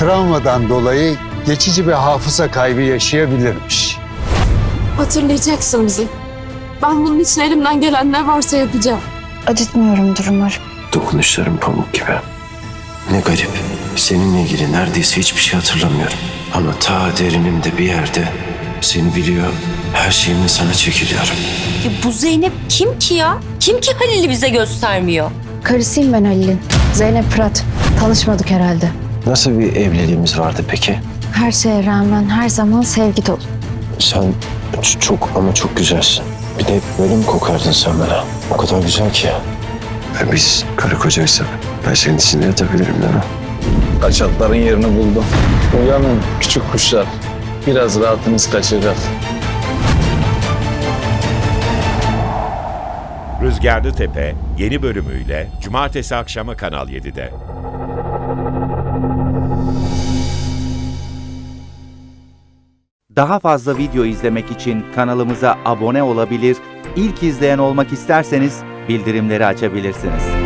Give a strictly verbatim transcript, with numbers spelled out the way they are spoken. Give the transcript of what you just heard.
travmadan dolayı geçici bir hafıza kaybı yaşayabilirmiş. Hatırlayacaksın bizi. Ben bunun için elimden gelen ne varsa yapacağım. Acıtmıyorumdur umarım. Dokunuşların pamuk gibi. Ne garip. Seninle ilgili neredeyse hiçbir şey hatırlamıyorum. Ama ta derinimde bir yerde seni biliyor, her şeyimle sana çekiliyorum. Ya bu Zeynep kim ki ya? Kim ki Halil'i bize göstermiyor? Karısıyım ben Halil'in. Zeynep Fırat. Tanışmadık herhalde. Nasıl bir evliliğimiz vardı peki? Her şeye rağmen her zaman sevgi dolu. Sen ç- çok ama çok güzelsin. Bir de böyle mi kokardın sen bana? O kadar güzel ki. Ve biz karı kocaysak ben senin içinde yatabilirim değil mi? Kaçakların yerini buldum. Uyanın küçük kuşlar. Biraz rahatınız kaçacak. Rüzgarlı Tepe yeni bölümüyle Cumartesi akşamı Kanal yedide. Daha fazla video izlemek için kanalımıza abone olabilir, ilk izleyen olmak isterseniz bildirimleri açabilirsiniz.